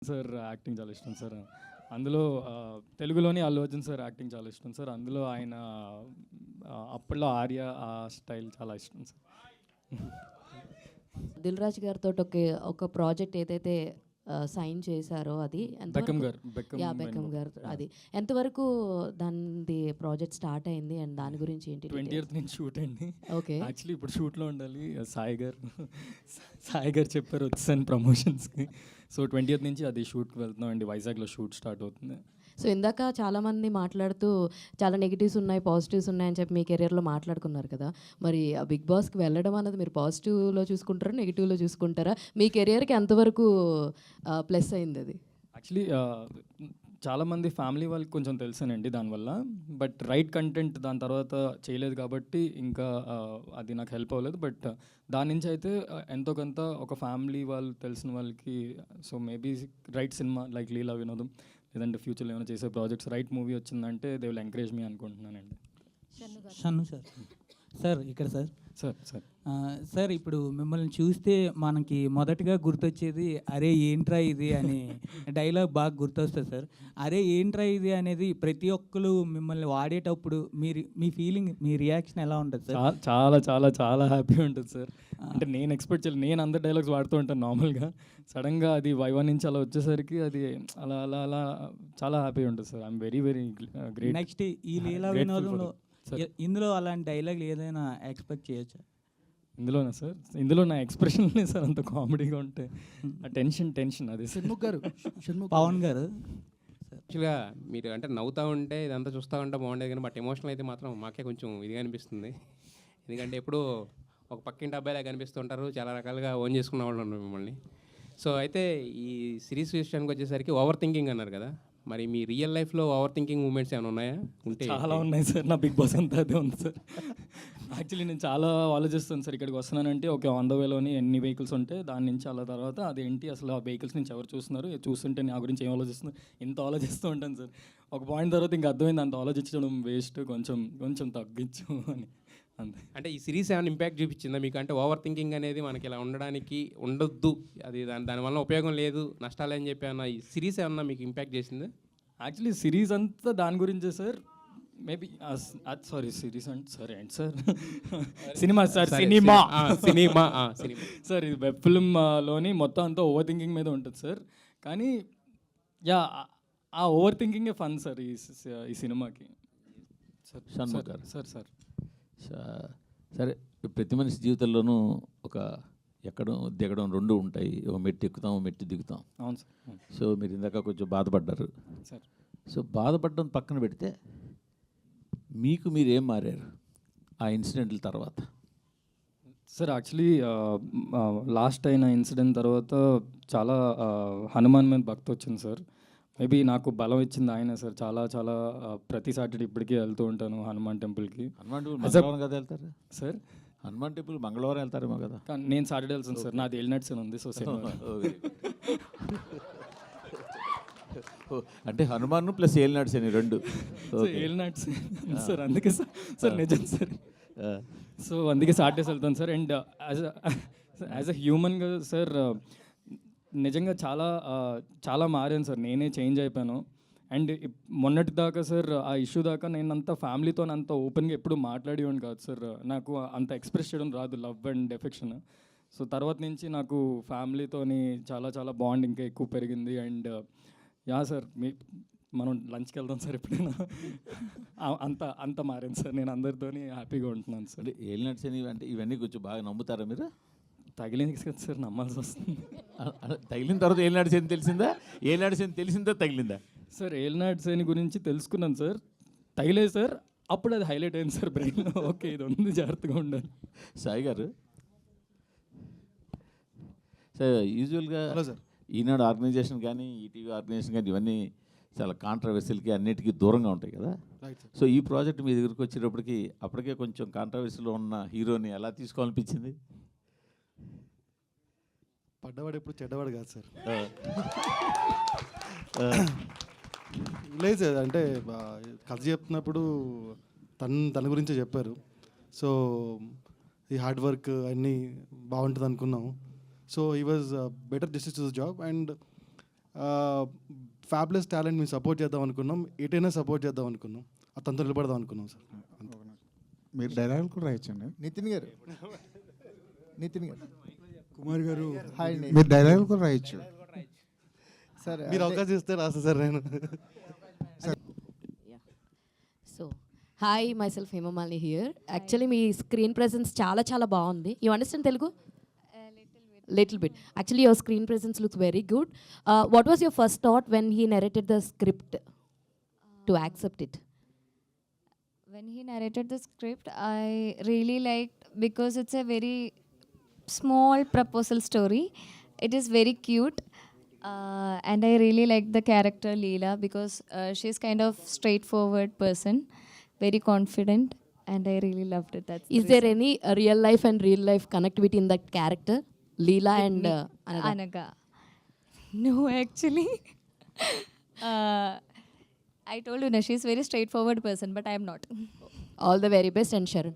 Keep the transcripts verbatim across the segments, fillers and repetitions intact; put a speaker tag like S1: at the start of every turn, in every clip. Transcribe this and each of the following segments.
S1: Sir acting చాలా ఇష్టం sir. అందులో ఆహ్, తెలుగులోని అల్లు అర్జున్ సార్ యాక్టింగ్ చాలా ఇష్టం సార్. అందులో ఆయన ఆహ్, అప్పట్లో 'ఆర్య' ఆ స్టైల్ చాలా ఇష్టం సార్.
S2: దిల్ రాజు గారితోటి ఒకే ఒక ప్రాజెక్ట్ ఏదైతే ఆహ్, సైన్ చేశారో అది
S1: బెక్కమ్
S2: ఎంతవరకు?
S1: గారు. బెక్కమ్
S2: యాహ్! బెక్కమ్
S1: వేణుగోపాల్.
S2: గారు
S1: యాహ్!
S2: అది. ఎంతవరకు దానిది ప్రాజెక్ట్ స్టార్ట్ అయింది అండ్ దాని గురించి ఏంటి డీటెయిల్స్?
S1: ట్వంటీయత్ నుంచి షూట్ అండి.
S2: ఓకే.
S1: యాక్చువల్లీ ఇప్పుడు షూట్‌లో ఉండాలి. సాయి గారు సాయి గారు చెప్పారు వచ్చేసాను ప్రమోషన్స్‌కి. సో, ట్వంటీయత్ నుంచి అది షూట్‌కి వెళ్తున్నాం అండి. వైజాగ్‌లో షూట్ స్టార్ట్ అవుతుంది.
S2: సో, ఇందాక చాలామంది మాట్లాడుతూ చాలా నెగెటివ్స్ ఉన్నాయి, పాజిటివ్స్ ఉన్నాయని చెప్పి మీ కెరియర్‌లో మాట్లాడుకున్నారు కదా! మరి ఆ 'బిగ్ బాస్'కి వెళ్ళడం అన్నది మీరు పాజిటివ్‌లో చూసుకుంటారా? నెగెటివ్‌లో చూసుకుంటారా? మీ కెరియర్‌కి ఎంతవరకు ఆహ్, ప్లస్ అయిందది?
S1: యాక్చువల్లీ ఆహ్, చాలామంది ఫ్యామిలీ వాళ్ళకి కొంచెం తెలుసానండి దానివల్ల. బట్ రైట్ కంటెంట్ దాని తర్వాత చేయలేదు కాబట్టి ఇంకా ఆహ్, అది నాకు హెల్ప్ అవ్వలేదు. బట్ దాని నుంచి అయితే ఆహ్, ఎంతో కొంత ఒక ఫ్యామిలీ వాళ్ళు తెలిసిన వాళ్ళకి so, maybe right cinema like 'Leela Vinodam' లేదంటే ఫ్యూచర్‌లో ఏమైనా చేసే ప్రాజెక్ట్స్ రైట్ మూవీ వచ్చిందంటే దే విల్ ఎంకరేజ్ మీ అనుకుంటున్నానండి.
S3: షన్ను సార్. సార్ ఇక్కడ సార్.
S1: సార్ సార్
S3: ఆ, సార్ ఇప్పుడు మిమ్మల్ని చూస్తే మనకి మొదటగా గుర్తొచ్చేది అరే ఏంట్రా ఇది అని డైలాగ్ బాగా గుర్తొస్తుంది సార్. అరే ఏంట్రా ఇది అనేది ప్రతి ఒక్కరు మిమ్మల్ని వాడేటప్పుడు మీరు మీ ఫీలింగ్ మీ రియాక్షన్ ఎలా ఉంటుంది సార్?
S1: చా- చాలా చాలా చాలా హ్యాపీ ఉంటుంది సార్. అంటే నేను ఎక్స్పెక్ట్ చేయలేదు. నేను అందరు డైలాగ్స్ వాడుతూ ఉంటాను నార్మల్గా. సడన్గా అది వైవా నుంచి అలా వచ్చేసరికి అది అలా అలా అలా చాలా హ్యాపీ ఉంటుంది sir. I'm very very great.
S3: Next ఈ Leela
S1: Grateful for
S3: వినోదంలో
S1: that. Sir.
S3: ఇ- ఇందులో అలాంటి డైలాగ్ ఏదైనా ఎక్స్పెక్ట్ చేయొచ్చా?
S1: ఇందులోనా సార్? ఇందులో నా ఎక్స్ప్రెషన్లే సార్ అంత కామెడీగా ఉంటే ఆ టెన్షన్ టెన్షన్ అది సార్.
S4: షణ్ముఖ్ గారు షణ్ముఖ్
S3: పవన్ గారు
S5: యాక్చువల్గా మీరు అంటే నవ్వుతూ ఉంటే ఇదంతా చూస్తూ ఉంటే బాగుండేది కానీ బట్ ఎమోషనల్ అయితే మాత్రం మాకే కొంచెం ఇదిగా అనిపిస్తుంది. ఎందుకంటే ఎప్పుడూ ఒక పక్కింటి అబ్బాయిలా కనిపిస్తుంటారు, చాలా రకాలుగా ఓన్ చేసుకున్న వాళ్ళు ఉన్నారు మిమ్మల్ని. సో అయితే ఈ సిరీస్ విషయానికి వచ్చేసరికి ఓవర్ థింకింగ్ అన్నారు కదా, మరి మీ రియల్ లైఫ్లో ఓవర్ థింకింగ్ మూమెంట్స్ ఏమైనా ఉన్నాయా? ఉంటే
S1: చాలా ఉన్నాయి సార్. నా బిగ్ బాస్ అంతా అదే ఉంది సార్. యాక్చువల్లీ నేను చాలా ఆలోచిస్తాను సార్. ఇక్కడికి వస్తున్నానంటే ఓకే ఆన్ ద వేలోని ఎన్ని వెహికల్స్ ఉంటే దాని నుంచి అలా తర్వాత అదేంటి అసలు ఆ వెహికల్స్ నుంచి ఎవరు చూస్తున్నారు, చూస్తుంటే నా గురించి ఏం ఆలోచిస్తున్నారు, ఇంత ఆలోచిస్తూ ఉంటాను సార్. ఒక పాయింట్ తర్వాత ఇంకా అర్థమైంది అంత ఆలోచించడం వేస్ట్, కొంచెం కొంచెం తగ్గించు అని అంతే.
S5: అంటే ఈ సిరీస్ ఏమైనా ఇంపాక్ట్ చూపించిందా మీకు? అంటే ఓవర్ థింకింగ్ అనేది మనకి ఇలా ఉండడానికి ఉండొద్దు, అది దాని దానివల్ల ఉపయోగం లేదు, నష్టాలు అని చెప్పి అన్న ఈ సిరీస్ ఏమన్నా మీకు ఇంపాక్ట్ చేసిందా?
S1: యాక్చువల్లీ సిరీస్ అంతా దాని గురించే సార్. మేబీ సారీ సిరీస్ అంటే సారీ అండి సార్ సినిమా సార్
S5: సరే,
S1: సినిమా
S5: ఆ, సినిమా ఆ, సినిమా
S1: సార్ ఇది వెబ్ ఫిల్మ్లోని మొత్తం అంతా ఓవర్ థింకింగ్ మీద ఉంటుంది సార్. కానీ యా ఆ ఓవర్ థింకింగే ఫన్ సార్ ఈ సి- ఈ సినిమాకి సార్.
S6: షణ్ముఖ్ గారు.
S1: సార్ సార్
S6: స- సరే ప్రతి మనిషి జీవితంలోనూ ఒక ఎక్కడం దిగడం రెండు ఉంటాయి. ఒక మెట్టు ఎక్కుతాం, ఒక మెట్టు దిగుతాం.
S1: అవును సార్ అవును
S6: సో మీరు ఇందాక కొంచెం బాధపడ్డారు.
S1: సార్.
S6: సో బాధపడడం పక్కన పెడితే మీకు మీరు ఏం మారారు ఆ ఇన్సిడెంట్ల తర్వాత?
S1: సార్ యాక్చువల్లీ లాస్ట్ అయిన ఇన్సిడెంట్ తర్వాత చాలా ఆ, హనుమాన్ మీద భక్తి వచ్చింది సార్. మేబీ నాకు బలం ఇచ్చింది ఆయనే సార్. చాలా చాలా ఆ, ప్రతి సాటర్డే ఇప్పటికీ వెళ్తూ ఉంటాను హనుమాన్ టెంపుల్కి
S6: హనుమాన్ టెంపుల్
S1: As a-
S6: మంగళవారం కదా వెళ్తారు?
S1: సార్.
S6: హనుమాన్ టెంపుల్ మంగళవారం వెళ్తారేమో కదా?
S1: కానీ నేను సాటర్డే వెళ్తాను సార్. నాది ఎల్నట్స్ అని ఉంది సో సినిమా.
S6: ఓ, అంటే హనుమాన్ ప్లస్ ఏలినాడ్స్ అని రెండు. ఓకే.
S1: ఎల్నట్స్ సార్ అందుకే సార్ సార్ నిజం సార్. సో అందుకే సాటర్డేస్ వెళ్తాను sir. And as as a హ్యూమన్గా సార్ నిజంగా చాలా ఆ, చాలా మారాను సార్. నేనే చేంజ్ అయిపోయాను. అండ్ మొన్నటి దాకా సార్ ఆ ఇష్యూ దాకా నేను అంత ఫ్యామిలీతో అంత ఓపెన్గా ఎప్పుడు మాట్లాడేవాడిని కాదు సార్. నాకు అంత ఎక్స్ప్రెస్ చేయడం రాదు లవ్ అండ్ ఎఫెక్షన్. సో తర్వాత నుంచి నాకు ఫ్యామిలీతోని చాలా చాలా బాండ్ ఇంకా ఎక్కువ పెరిగింది. అండ్ యా సార్ మీ మనం లంచ్కి వెళ్దాం సార్ ఎప్పుడైనా. ఆ- అంత అంత మారాను సార్. నేను అందరితోని హ్యాపీగా ఉంటున్నాను సార్.
S6: అంటే ఏలినాడ్స్ అని అంటే ఇవన్నీ కొంచెం బాగా నమ్ముతారా మీరు?
S1: తగిలింది కదా సార్ నమ్మాల్సి వస్తుంది
S6: అ- అ- తగిలిన తర్వాత ఏలినాడ్స్ అని తెలిసిందా? ఏలినాడ్స్ అని తెలిసిందా తగిలిందా?
S1: సార్. ఏల్నాడ్ సేని గురించి తెలుసుకున్నాను సార్. తగిలేదు సార్. అప్పుడు అది హైలైట్ అయింది సార్ బ్రెయిన్లో. ఓకే ఇది ఉంది, జాగ్రత్తగా ఉండాలి.
S6: సాయి గారు సార్ యూజువల్గా
S4: హలో సార్.
S6: ఈనాడు ఆర్గనైజేషన్ కానీ ఈటీవీ ఆర్గనైజేషన్ కానీ ఇవన్నీ చాలా కాంట్రవర్సీలకి అన్నిటికీ దూరంగా ఉంటాయి కదా.
S4: Right sir.
S6: సో ఈ ప్రాజెక్ట్ మీ దగ్గరికి వచ్చేటప్పటికి అప్పటికే కొంచెం కాంట్రవర్సీలో ఉన్న హీరోని ఎలా తీసుకోవాలనిపించింది?
S4: పడ్డవాడు ఎప్పుడు చెడ్డవాడు కాదు సార్.
S6: ఆ,
S4: లేదు సార్, అంటే ఆ, కథ చెప్తున్నప్పుడు తన తన గురించే చెప్పారు. సో ఈ హార్డ్ వర్క్ అన్నీ బాగుంటుంది అనుకున్నాం. సో ఈ was better justice to the job. And fabulous talent మేము సపోర్ట్ చేద్దాం అనుకున్నాం, ఎటైనా సపోర్ట్ చేద్దాం అనుకున్నాం, అతనితో నిలబడదాం అనుకున్నాం సార్.
S7: మీరు డైలాగులు కూడా రాయొచ్చండి.
S8: నితిన్ గారు నితిన్ గారు
S7: కుమార్ గారు
S8: హాయ్ అండి.
S7: మీరు డైలాగులు కూడా రాయొచ్చు.
S8: సార్
S4: మీరు అవకాశం ఇస్తే రాస్తా సార్ నేను.
S2: So hi myself Hemamalini here. Actually మీ స్క్రీన్ ప్రెసెన్స్ చాలా చాలా బాగుంది. You understand Telugu? Little bit. Actually, your screen presence looks very good. Uh, what was your first thought when he narrated the script to accept it?
S9: When he narrated the script, I really liked because it's a very small proposal story. It is very cute, uh, and I really liked the character Leela because uh, she's kind of straightforward person, very confident, and I really loved it. That's
S2: Is there any uh, real life and real life connectivity in that character, Leela and uh, Anaga?
S9: Anaga? No, actually. uh, I told you, na, she's very straightforward person, but I am not.
S2: All the very best and Sharon.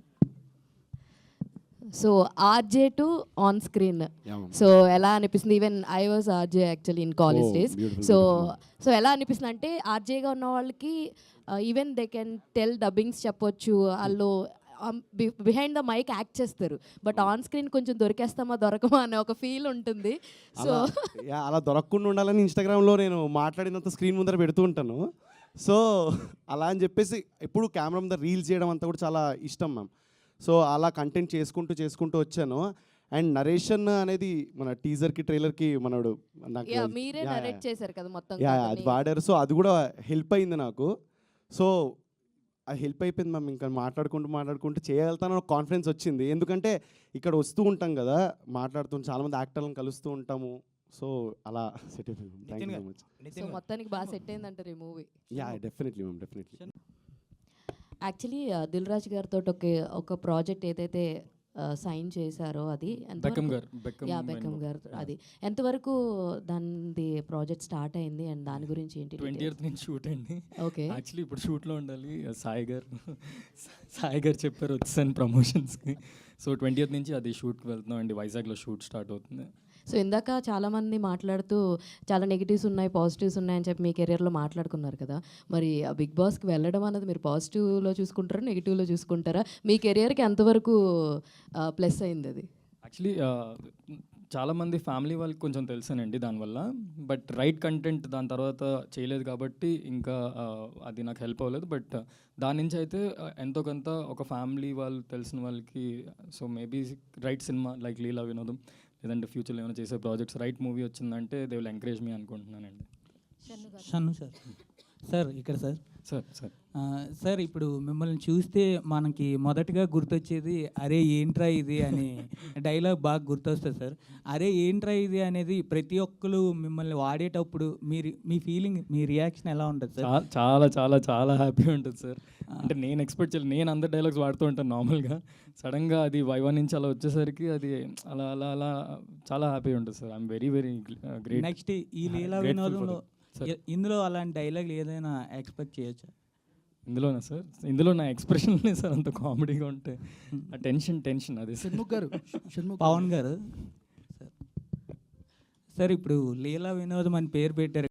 S2: So RJ to on screen, so ఎలా అనిపిస్తుంది? Even I was RJ actually in college days. So so ఎలా అనిపిస్తుంది అంటే ఆర్జేగా ఉన్న వాళ్ళకి even they can tell dubbings చెప్పొచ్చు, వాళ్ళు బిహైండ్ ద మైక్ యాక్ట్ చేస్తారు, బట్ ఆన్ స్క్రీన్ కొంచెం దొరికేస్తామా దొరకమా అనే ఒక ఫీల్ ఉంటుంది. సో
S10: యా, అలా దొరకకుండా ఉండాలని ఇన్స్టాగ్రామ్లో నేను మాట్లాడినంత స్క్రీన్ ముందర పెడుతూ ఉంటాను. సో అలా అని చెప్పేసి ఎప్పుడు కెమెరా ముందర రీల్స్ చేయడం అంతా కూడా చాలా ఇష్టం మ్యామ్. సో అలా కంటెంట్ చేసుకుంటూ చేసుకుంటూ వచ్చాను. అండ్ నరేషన్ అనేది మన టీజర్కి ట్రైలర్కి మనోడు నాకు
S2: యా మీరే నరేట్ చేశారు కదా మొత్తం.
S10: యా అది వాడారు. సో అది కూడా హెల్ప్ అయింది నాకు. సో అది హెల్ప్ అయిపోయింది మ్యామ్. ఇంకా మాట్లాడుకుంటూ మాట్లాడుకుంటూ చేయగలుగుతాను కాన్ఫిడెన్స్ వచ్చింది. ఎందుకంటే ఇక్కడ వస్తూ ఉంటాం కదా, మాట్లాడుతూ చాలామంది యాక్టర్లను కలుస్తూ ఉంటాము. సో అలా సెట్ అయిపోయింది. Thank you so much.
S2: So మొత్తానికి బాగా సెట్ అయిందంటారు ఈ movie.
S10: Yeah definitely ma'am, definitely.
S2: Actually Dil Raju గారితో ఒక ఒక ప్రాజెక్ట్ ఏదైతే సైన్ చేశారో అది
S1: బెకమ్ గారు
S2: యా బెకమ్ గారు అది ఎంతవరకు దాని ప్రాజెక్ట్ స్టార్ట్ అయింది అండ్ దాని గురించి ఏంటి?
S1: ట్వంటీ ఇయర్త్ నుంచి షూట్ అండి.
S2: ఓకే.
S1: యాక్చువల్లీ ఇప్పుడు షూట్లో ఉండాలి. సాయి గారు సాయి గారు చెప్పారు వచ్చాను ప్రమోషన్స్కి. సో ట్వంటీ ఇయర్త్ నుంచి అది షూట్కి వెళ్తున్నాం అండి. వైజాగ్లో షూట్ స్టార్ట్ అవుతుంది.
S2: సో ఇందాక చాలామంది మాట్లాడుతూ చాలా నెగిటివ్స్ ఉన్నాయి పాజిటివ్స్ ఉన్నాయని చెప్పి మీ కెరియర్లో మాట్లాడుకున్నారు కదా, మరి ఆ బిగ్ బాస్కి వెళ్ళడం అనేది మీరు పాజిటివ్లో చూసుకుంటారా నెగిటివ్లో చూసుకుంటారా? మీ కెరియర్కి ఎంతవరకు ప్లస్ అయింది అది?
S1: యాక్చువల్లీ చాలామంది ఫ్యామిలీ వాళ్ళకి కొంచెం తెలుసానండి దానివల్ల, బట్ రైట్ కంటెంట్ దాని తర్వాత చేయలేదు కాబట్టి ఇంకా అది నాకు హెల్ప్ అవ్వలేదు. బట్ దాని నుంచి అయితే ఎంతో కొంత ఒక ఫ్యామిలీ వాళ్ళు తెలిసిన వాళ్ళకి, so maybe right cinema like Leela Vinodam లేదంటే ఫ్యూచర్లో ఏమైనా చేసే ప్రాజెక్ట్స్ రైట్ మూవీ వచ్చిందంటే దే విల్ ఎంకరేజ్ మీ అనుకుంటున్నానండి.
S3: షన్ను సార్. సార్ ఇక్కడ సార్
S1: సార్ సార్
S3: సార్ ఇప్పుడు మిమ్మల్ని చూస్తే మనకి మొదటగా గుర్తొచ్చేది అరే ఏంట్రా ఇది అని డైలాగ్ బాగా గుర్తొస్తుంది సార్. అరే ఏంట్రా ఇది అనేది ప్రతి ఒక్కరు మిమ్మల్ని వాడేటప్పుడు మీరు మీ ఫీలింగ్ మీ రియాక్షన్ ఎలా ఉంటుంది సార్?
S1: చా- చాలా చాలా చాలా హ్యాపీ ఉంటుంది సార్. అంటే నేను ఎక్స్పెక్ట్ చేయలేదు. నేను అందరు డైలాగ్స్ వాడుతూ ఉంటాను నార్మల్గా, సడన్గా అది వైవా నుంచి అలా వచ్చేసరికి అది అలా అలా అలా చాలా హ్యాపీ ఉంటుంది sir. I'm very very great.
S3: Next ఈ Leela
S1: Grateful for
S3: వినోదంలో
S1: that, sir.
S3: ఇందులో అలాంటి డైలాగ్ ఏదైనా ఎక్స్పెక్ట్ చేయొచ్చా?
S1: ఇందులోనా సార్? ఇందులో నా ఎక్స్ప్రెషన్లే సార్ అంత కామెడీగా ఉంటే ఆ టెన్షన్ టెన్షన్ అదే సార్.
S8: షణ్ముఖ్ గారు షణ్ముఖ్
S3: పవన్ గారు సార్. సార్ ఇప్పుడు లీలా వినోదం అని పేరు పెట్టారు